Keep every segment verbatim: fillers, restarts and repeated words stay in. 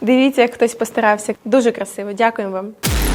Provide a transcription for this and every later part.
Дивіться, як хтось постарався. Дуже красиво. Дякуємо вам.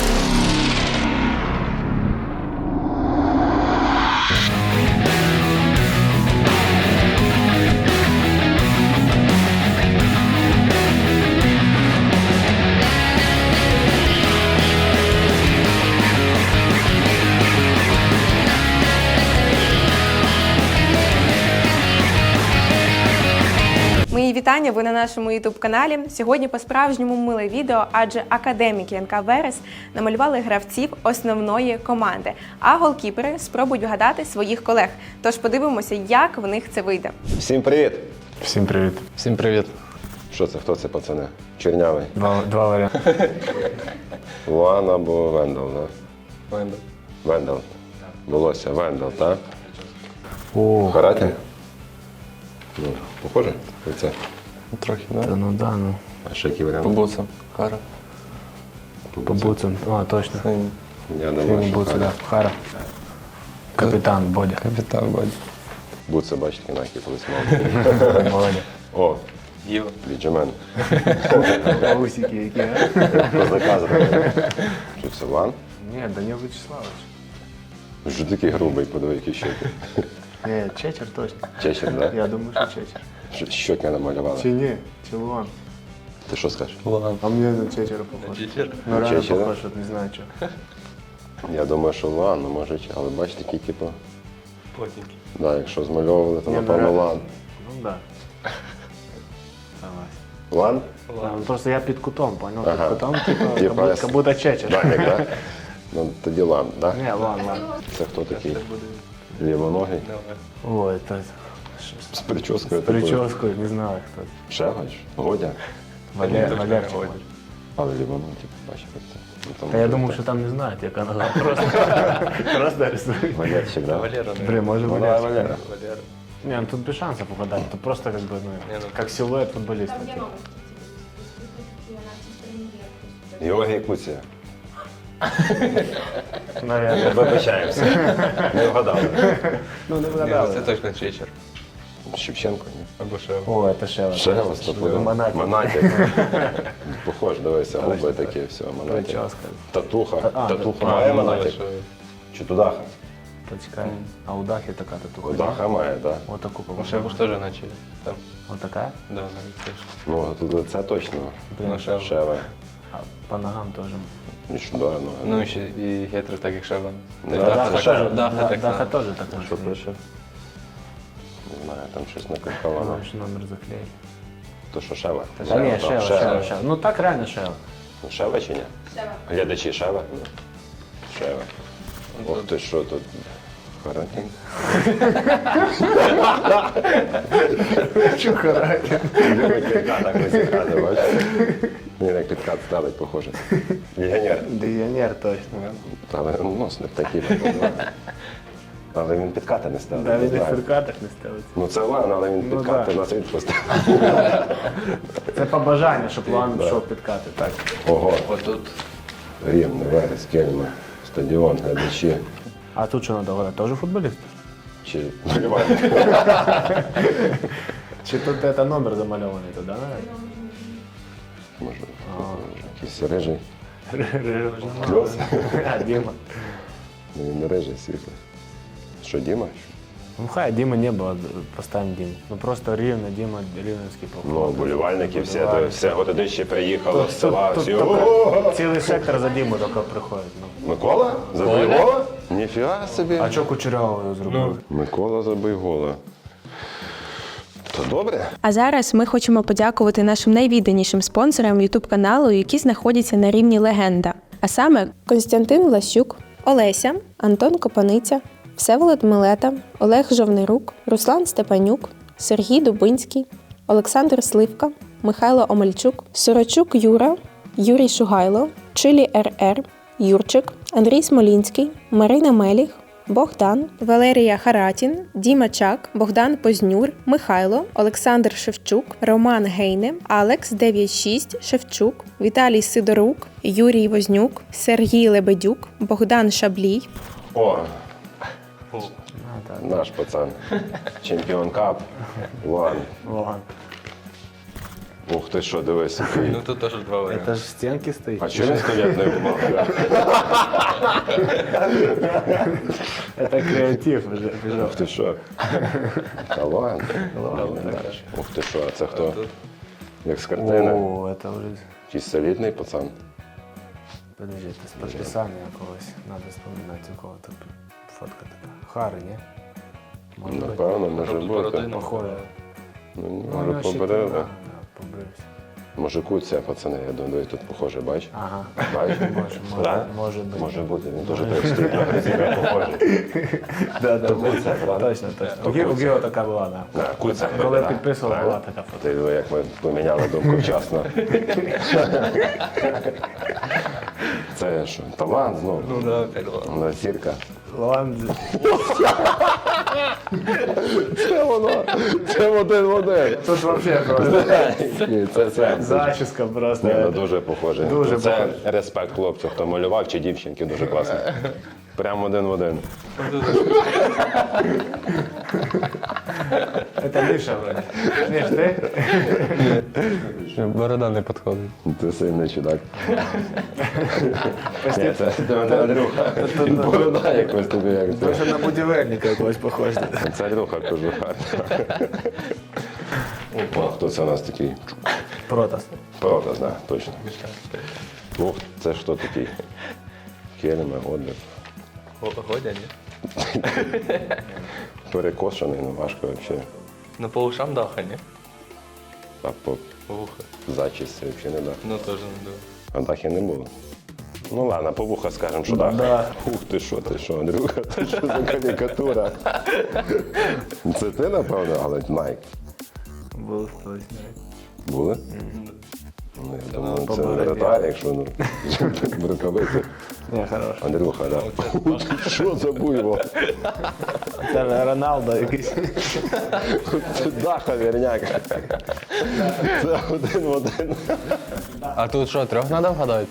Мої вітання, ви на нашому ютуб-каналі. Сьогодні по-справжньому миле відео, адже академіки ен ка Верес намалювали гравців основної команди, а голкіпери спробують вгадати своїх колег. Тож подивимося, як в них це вийде. Всім привіт! Всім привіт. Всім привіт. Що це? Хто це, пацани? Чернявий? Два, два варіанти. Луан або Вендел, да? Вендел. Вендел. Волосся, Вендел, так? О, Хараті? Ну, похоже? Це. Трохи, та да? ну да, ну. А ще які варіанти? По буцам. Хара. По буцам. А, точно. Синій. Я Сині думаю, що буци, Харя. да. Хара. Капітан Бодя. Капітан Бодя. Буци, бачите, інакі колись мав. Молодець. О, Діва. Біджамен. Усики які, а? Козака зробили. Що це, Лан? Ні, Данил Вячеславович. Вже такий грубий, подиви, які щоки. Ні, Чечер точно. Чечер, да? Я думаю, що Чечер. Щ- Щоки намалювали. Чи ні? Чи Луан? Ти що скажеш? Луан. А мені на Чечера похож. Чечер? Ну реально Чечера? похож, от не знаю чого. Я думаю, що Лан, ну може, чи- але бачите, такі, типу, Плотненький. да, якщо змальовували, то Ні, ну, напевно реально. Лан. Ну да. Давай. Лан? Да, ну, просто я під кутом, понял? Ага. Під кутом, типу, Типа, как будто- я- как будто Чечер. Данік, так? Ну, тоді Лан, так? Ні, Луан, Луан. Це хто такий? Лівоногий? Ой, это... З прическою С такою. прической, не знаю кто. Шевач? Годя? Валер, Валерчик. Годя. Але лівоногий, типу, бачиш, як це. Ну, там Та я може думав, бути. що там не знають, яка нога. Просто, просто рисують. Валерчик, да? Валера. Блин, может Ну, быть. давай Валера. Валера. Не, ну тут без шансов угадать. Тут просто как бы, ну, Не, ну. как силуэт футболиста. типа. Георгій Куція. Наверное. Вибачаємося. Не вгадали. Ну, не Ні, вгадали. це точно Чечер. Шевченко, ні? Або Шева. О, это Шева. Шева, стопудово. Монатик. Монатик. Похож, дивися, губи такі, все, Монатик. Прическа. Татуха. А, Татуха А, має ну, Монатик? Шева. Чи Тудаха? Почекай. А у Дахи такая татуха. Тудаха має, так. Вот такую, Ну, по-моему. Шеву ж теж начали. Там. Вот такая? Да, навіть теж. Ну, тут це точно. Ну, Шева. Шева. А по ногам тоже. Нещодавно. Ну, ще і гетри так, як Шева. Не Даха Даха так, Шева. Даха Да, так Даха само. тоже так Що может. пише? Не знаю, там щось накриховано. Наш номер заклеили. То що Шева? Да не, там Шева, Шева, Шева. Ну так реально Шева. Ну, Шева чи ні? Шева. Глядачі Шева? Шева. Ох ти що тут? Харатін. Чё характер? Так висікати, бачиш? Мені як підкат ставить, похоже. Легіонер. Легионер точно. Але нос не такий. Але він підкати не ставить. Да, не він в знаю. фіркатах не ставиться. Ну це ладно, але він Ну, підкати да. на світ поставив. Це побажання, щоб Луан пішов підкати. Так. Ого. Отут. Рівне, Верес, Кельма, стадіон, глядачі. А тут що треба гадати? Теж футболіст? Чи болівальник. Чи тут це номер замальований туди, навіть? Може, якийсь рижий. Кльос. А, Діма. Ну, він не рижий, світлий. Що, Діма? Ну хай Діма не було, поставимо Діму. Ну просто рівно, Діма, рівненський Ну, поход. болівальники, всі, то, все годище приїхало з села, Тут всі. тільки «О-о-о!» цілий сектор за Діму тільки приходить. Ну. Микола? Забий гола? Ніфіга собі. А чого Кучерявого його зробили? Микола забий гола. То добре? А зараз ми хочемо подякувати нашим найвідданішим спонсорам ютуб-каналу, які знаходяться на рівні легенда. А саме Костянтин Влащук, Олеся, Антон Копаниця, Всеволод Милета, Олег Жовнирук, Руслан Степанюк, Сергій Дубинський, Олександр Сливка, Михайло Омельчук, Сорочук Юра, Юрій Шугайло, Чилі ер ер, Юрчик, Андрій Смолінський, Марина Меліх, Богдан, Валерія Харатін, Діма Чак, Богдан Познюр, Михайло, Олександр Шевчук, Роман Гейне, Алекс дев'ять шість Шевчук, Віталій Сидорук, Юрій Вознюк, Сергій Лебедюк, Богдан Шаблій. О, А, так. наш пацан. Чемпіон кап. Луан. Луан. Ух ти що, дивись. який. Ну тут теж два варіанти. Это же стенки стоит. А чого він стоять не вмав? Это креатив уже. пішов. Ух ти що? Талант. Ух ти що, а це хто? Як з картини? О, это уже... Якийсь солідний пацан. Подожди, это с подписания когось. Надо вспоминать, у кого-то фотка така. Хари, ні? Може бути. Напевно, може бути. Бородина. Похоже. Ну, Ну, може воно ще поберили. так, да, побрився. Може куця, пацани, я думаю, тут похоже, бач? Ага. Бач? Може, може, Да? може бути. Може бути, він дуже так стоїть на гризіка похожий. Да, да, Куця, правда? точно, точно. У Гі- У Гіо така була, да. Да, куця. Коли да. підписували, Так. була така фото. Ти диви, як ми поміняли думку вчасно. Це що, талант знову? Ну да, опять ладно. Ну, зірка. Лан... Це воно, це один в один. Тут вообще просто Ні, це це. зачіска просто. Ні, ну дуже похоже. Дуже це похоже. респект хлопцю, хто малював, чи дівчинки, дуже класно. Прямо один в один. Это Миша вроде. Миш, ти? Борода не підходить. Ти сильний чудак. Ні, це це Андрюха. Борода якось тобі як це. Дуже на будівельника якогось похож. Це Андрюха кожуха. О, хто це у нас такий? Протас. Правда, да, точно. Ух, це що такий? Келеми, Годлер. Ходя, ні? Перекошений, ну важко взагалі. Ну по ушам даха, ні? А по Вуха. зачісці взагалі не дах. Ну теж не думаю. А дахи не було. Ну ладно, по вуха скажемо, що дах. Да. Ух ти що, ти що, Андрюха, це що за карикатура? Це ти, напевно, але Найк. Був точно. Були? Ну, я думаю, це побороді. вратар, якщо ну, в рукавиці. Не, хорош. Андрюха, да. Що за буйво? Це Роналдо якийсь. Це даха вірняк. Це один в один. А тут що, трьох треба вгадати?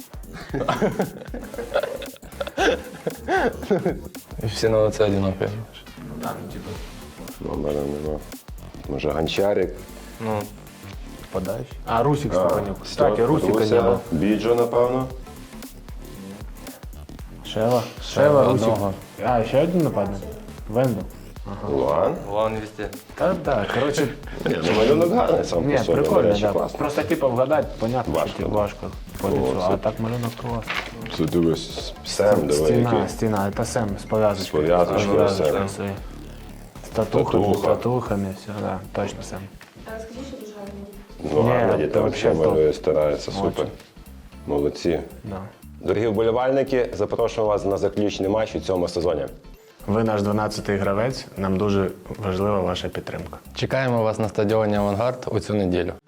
І всі на лице одинакові. Там, типу, Номера нема. Може гончарик. Ну, подач. А, Русик Степанюк. Кстати, Русика не Руся, було. Біджо, напевно. Шева. Шева, Русик. одного. А, ще один нападник? Венду. Луан. Вон везде. Та так, коротше, Ні, ну малюнок гарний сам ні, по собі, до прикольно, речі, да. класно. Просто типу вгадати, понятно, Важко, що типу, да. важко по лицу, О, а це- так малюнок класний. Це дивись, Сем, диви, Стіна, який. стіна, це Сем з пов'язочкою. З пов'язочкою, З пов'язочкою Сем. своєю. З татухами, з Татуха. татухами, все, да, точно Сем. Ну, Ні, гарно, це діти вообще взагалі топ. малює, стараються, супер. Очень. Молодці. Да. Дорогі вболівальники, запрошуємо вас на заключний матч у цьому сезоні. Ви наш дванадцятий гравець, нам дуже важлива ваша підтримка. Чекаємо вас на стадіоні Авангард у цю неділю.